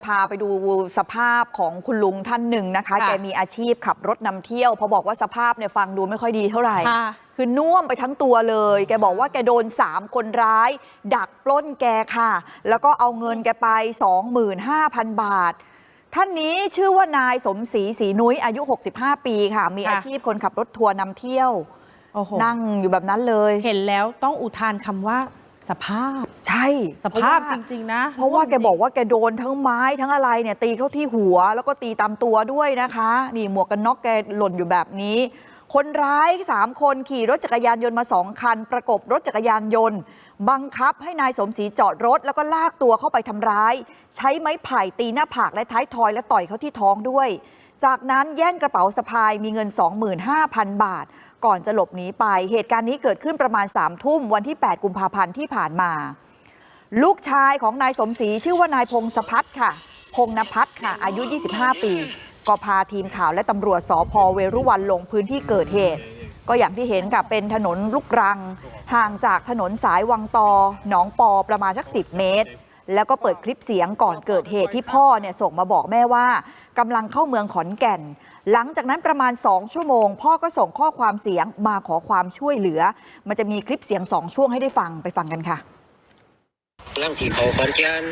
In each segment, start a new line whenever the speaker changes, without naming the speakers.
พาไปดูสภาพของคุณลุงท่านหนึ่งนะคะแกมีอาชีพขับรถนำเที่ยวพอบอกว่าสภาพเนี่ยฟังดูไม่ค่อยดีเท่าไหร่คือน่วมไปทั้งตัวเลยแกบอกว่าแกโดน3คนร้ายดักปล้นแกค่ะแล้วก็เอาเงินแกไป 25,000 บาทท่านนี้ชื่อว่านายสมศรีศรีนุ้ยอายุ65 ปีค่ะมีอาชีพคนขับรถทัวร์นำเที่ยวนั่งอยู่แบบนั้นเลย
เห็นแล้วต้องอุทานคำว่าสภาพ
ใช่
สภาพจริงๆนะ
เพราะว่าแกบอกว่าแกโดนทั้งไม้ทั้งอะไรเนี่ยตีเข้าที่หัวแล้วก็ตีตามตัวด้วยนะคะนี่หมวกกันน็อกแกหล่นอยู่แบบนี้คนร้าย3คนขี่รถจักรยานยนต์มา2คันประกบรถจักรยานยนต์บังคับให้นายสมศรีจอดรถแล้วก็ลากตัวเข้าไปทำร้ายใช้ไม้ไผ่ตีหน้าผากและท้ายทอยและต่อยเขาที่ท้องด้วยจากนั้นแย่งกระเป๋าสะพายมีเงิน 25,000 บาทก่อนจะหลบหนีไปเหตุการณ์นี้เกิดขึ้นประมาณ3 ทุ่มวันที่8 กุมภาพันธ์ที่ผ่านมาลูกชายของนายสมศรีชื่อว่านายพงศพัฒน์ค่ะพงนภัทรค่ะอายุ25 ปีก็พาทีมข่าวและตำรวจสภ.เวรุวันลงพื้นที่เกิดเหตุก็อย่างที่เห็นค่ะเป็นถนนลูกรังห่างจากถนนสายวังตอหนองปอประมาณสัก10 เมตรแล้วก็เปิดคลิปเสียงก่อนเกิดเหตุที่พ่อเนี่ยส่งมาบอกแม่ว่ากำลังเข้าเมืองขอนแก่นหลังจากนั้นประมาณ2 ชั่วโมงพ่อก็ส่งข้อความเสียงมาขอความช่วยเหลือมันจะมีคลิปเสียง2 ช่วงให้ได้ฟังไปฟังกันค่ะ
ร่างที่เขาขอนแก่น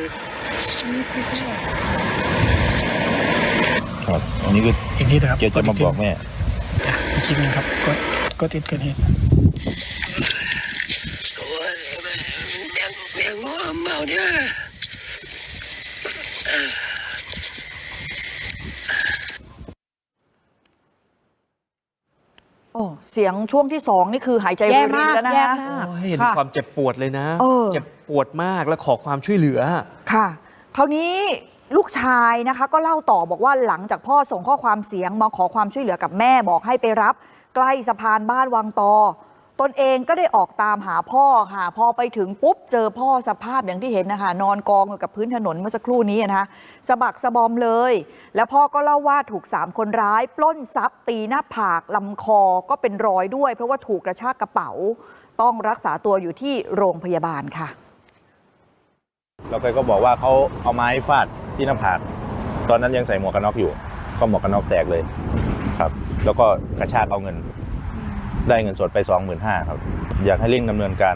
ครับอันนี้ก็
อีกนิดนะครับ
เกี่ยวจะมาบอกแม่
อีกทีนึงครับก็ติดเกิดเหตุ
โอ้ยแม่งเมาเนี่ย
เสียงช่วงที่2นี่คือหายใจรวยรินแล้วนะคะ
เห็นความเจ็บปวดเลยนะเจ็บปวดมากและขอความช่วยเหลือ
ค่ะคราวนี้ลูกชายนะคะก็เล่าต่อบอกว่าหลังจากพ่อส่งข้อความเสียงมาขอความช่วยเหลือกับแม่บอกให้ไปรับใกล้สะพานบ้านวังตอตนเองก็ได้ออกตามหาพ่อค่ะพอไปถึงปุ๊บเจอพ่อสภาพอย่างที่เห็นนะคะนอนกองอยู่กับพื้นถนนเมื่อสักครู่นี้นะคะสะบักสะบอมเลยแล้วพ่อก็เล่าว่าถูก3 คนร้ายปล้นทรัพย์ตีหน้าผากลำคอก็เป็นรอยด้วยเพราะว่าถูกกระชากกระเป๋าต้องรักษาตัวอยู่ที่โรงพยาบาลค่ะ
แล้วก็บอกว่าเขาเอาไม้ฟาดที่หน้าผากตอนนั้นยังใส่หมวกกันน็อกอยู่ก็หมวกกันน็อกแตกเลยครับแล้วก็กระชากเอาเงินได้เงินสดไป 25,000 ครับอยากให้เร่งดำเนินการ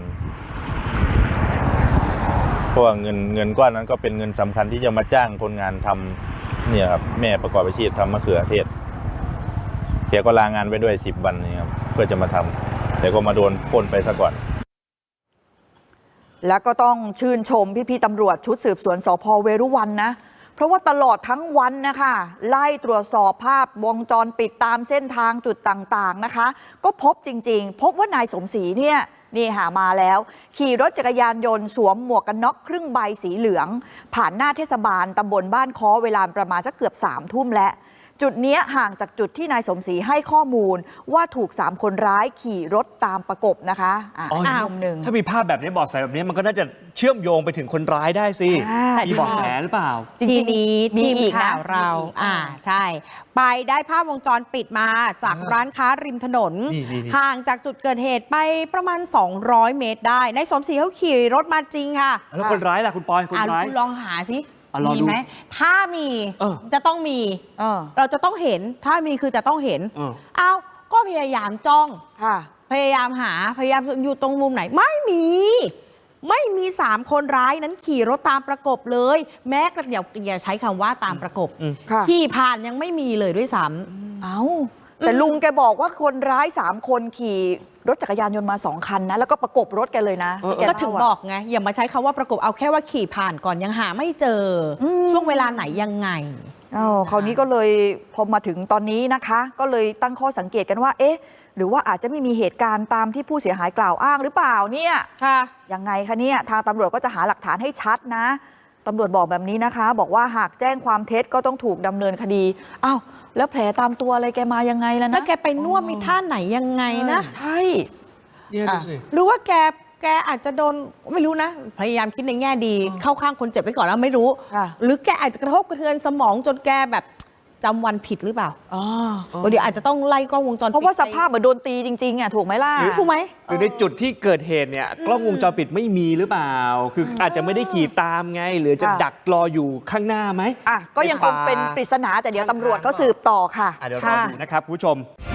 เพราะว่าเงินก้อนนั้นก็เป็นเงินสำคัญที่จะมาจ้างคนงานทำเนี่ยครับแม่ประกอบอาชีพทำมะเขือเทศแกก็ลางานไปด้วย10 วันนี่ครับเพื่อจะมาทำแต่ก็มาโดนปล้นไปซะก่อน
แล้วก็ต้องชื่นชมพี่ๆตำรวจชุดสืบสวนสภ.เวรุวันนะเพราะว่าตลอดทั้งวันนะคะไล่ตรวจสอบภาพวงจรปิดตามเส้นทางจุดต่างๆนะคะก็พบจริงๆพบว่านายสมศรีเนี่ยนี่หามาแล้วขี่รถจักรยานยนต์สวมหมวกกันน็อกครึ่งใบสีเหลืองผ่านหน้าเทศบาลตำบลบ้านค้อเวลาประมาณสักเกือบ3 ทุ่มแล้วจุดนี้ห่างจากจุดที่นายสมศรีให้ข้อมูลว่าถูก3 คนร้ายขี่รถตามประกบนะคะมุมหนึ่ง
ถ้ามีภาพแบบนี้เบาะแสแบบนี้มันก็น่าจะเชื่อมโยงไปถึงคนร้ายได้สิมีเบาะแสหรือเปล่า
ทีนี้ทีมข่าวเราใช่ไปได้ภาพวงจรปิดมาจากร้านค้าริมถนนห่างจากจุดเกิดเหตุไปประมาณ200 เมตรได้นายสมศรีเขาขี่รถมาจริงค่ะ
แล้วคนร้ายล่ะคุณปอยคนร้าย
ลองหาสิมีไหมถ้ามีจะต้องมีเราจะต้องเห็นถ้ามีคือจะต้องเห็นเอาก็พยายามจ้องพยายามหาพยายามอยู่ตรงมุมไหนไม่มี3 คนร้ายนั้นขี่รถตามประกบเลยแม้กระทั่งอย่าใช้คำว่าตามประกบขี่ผ่านยังไม่มีเลยด้วยซ้ำ
แต่ลุงแกบอกว่าคนร้าย3 คนขี่รถจักรยานยนต์มา2 คันนะแล้วก็ประกบรถแกเลยนะ
ก็ถึงบอกไงอย่ามาใช้คำว่าประกบเอาแค่ว่าขี่ผ่านก่อนยังหาไม่เจอช่วงเวลาไหนยังไง
คราวนี้ก็เลยพอมาถึงตอนนี้นะคะก็เลยตั้งข้อสังเกตกันว่าเอ๊ะหรือว่าอาจจะไม่มีเหตุการณ์ตามที่ผู้เสียหายกล่าวอ้างหรือเปล่าเนี่ยยังไงคะเนี่ยทางตำรวจก็จะหาหลักฐานให้ชัดนะตำรวจบอกแบบนี้นะคะบอกว่าหากแจ้งความเท็จก็ต้องถูกดำเนินคดีอ้าวแล้วแผลตามตัวอะไรแกมายังไงล่ะนะ
แล้วแกไปนวดมีท่าไหนยังไงนะ
ใช่
หรือว่าแกอาจจะโดนไม่รู้นะพยายามคิดในแง่ดีเข้าข้างคนเจ็บไว้ก่อนแล้วไม่รู้หรือแกอาจจะกระทบกระเทือนสมองจนแกแบบจำวันผิดหรือเปล่าเดี๋ยวอาจจะต้องไล่กล้องวงจรปิด
เพราะว่าสภาพเหมือนโดนตีจริงๆอ่ะถูกไหมล่ะ
ถูกไหม
หรือในจุดที่เกิดเหตุเนี่ยกล้องวงจรปิดไม่มีหรือเปล่า คืออาจจะไม่ได้ขี่ตามไง หรือจะดักรออยู่ข้างหน้าไหม
ก็ยังคงเป็นปริศนาแต่เดี๋ยวตำรวจก็สืบต่อค่ะ
เดี๋ยวรอดูนะครับคุณผู้ชม